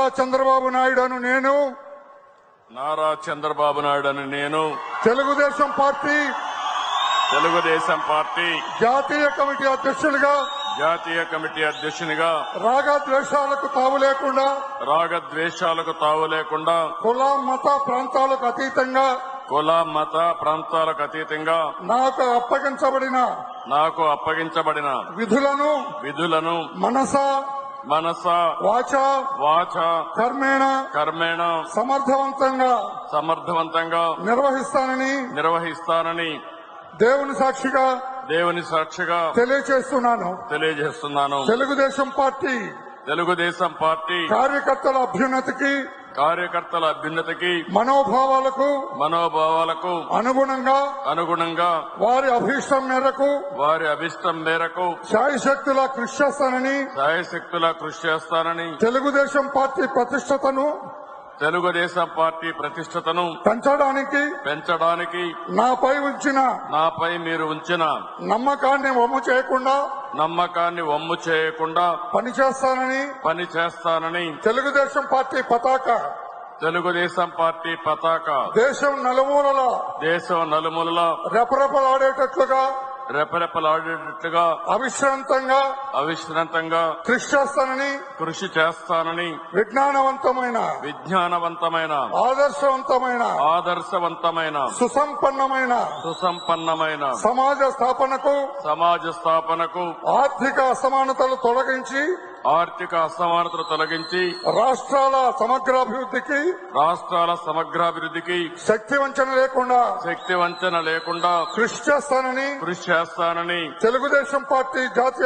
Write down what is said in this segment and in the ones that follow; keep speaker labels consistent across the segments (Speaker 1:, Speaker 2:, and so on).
Speaker 1: చంద్రబాబు నాయుడు అను నేను
Speaker 2: నారా చంద్రబాబు నాయుడు అని నేను
Speaker 1: తెలుగుదేశం పార్టీ జాతీయ కమిటీ అధ్యక్షునిగా రాగద్వేషాలకు తావు లేకుండా కుల మత ప్రాంతాలకు అతీతంగా నాకు అప్పగించబడిన విధులను మనస వాచ కర్మేణ సమర్థవంతంగా నిర్వహిస్తానని దేవుని సాక్షిగా తెలియజేస్తున్నాను. తెలుగుదేశం పార్టీ కార్యకర్తల అభ్యున్నతికి మనోభావాలకు అనుగుణంగా వారి అభీష్టం మేరకు శాయశక్తులా కృషి చేస్తానని తెలుగుదేశం పార్టీ ప్రతిష్టతను పెంచడానికి నాపై మీరు ఉంచిన నమ్మకాన్ని వమ్ము చేయకుండా పనిచేస్తానని తెలుగుదేశం పార్టీ పతాక దేశం నలుమూలలా రెపరెపలాడేటట్లుగా అవిశ్రాంతంగా కృషి చేస్తానని విజ్ఞానవంతమైన ఆదర్శవంతమైన సుసంపన్నమైన సమాజ స్థాపనకు ఆర్థిక అసమానతలు తొలగించి రాష్ట్రాల సమగ్రాభివృద్ధికి శక్తి వంచన లేకుండా కృషి చేస్తానని తెలుగుదేశం పార్టీ జాతీయ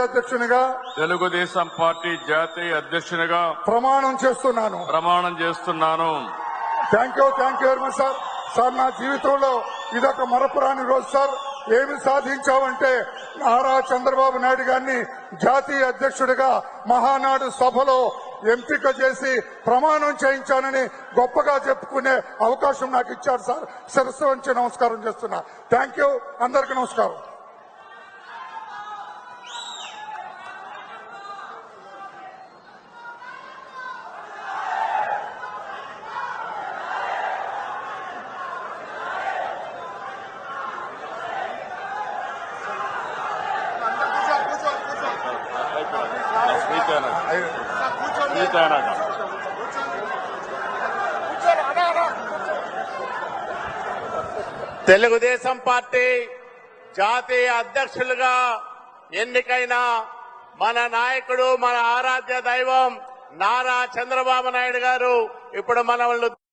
Speaker 1: అధ్యక్షునిగా ప్రమాణం చేస్తున్నాను. Thank you very much sir. నా జీవితంలో ఇదొక మరపురాని రోజు సార్. ఏమి సాధించామంటే నారా చంద్రబాబు నాయుడు గారిని జాతీయ అధ్యక్షుడిగా మహానాడు సభలో ఎంపిక చేసి ప్రమాణం చేయించానని గొప్పగా చెప్పుకునే అవకాశం నాకు ఇచ్చారు సార్. శిరస్సు వంచి నమస్కారం చేస్తున్నా. Thank you. అందరికీ నమస్కారం.
Speaker 3: తెలుగుదేశం పార్టీ జాతీయ అధ్యక్షులుగా ఎన్నికైన మన నాయకుడు, మన ఆరాధ్య దైవం నారా చంద్రబాబు నాయుడు గారు ఇప్పుడు మనల్ని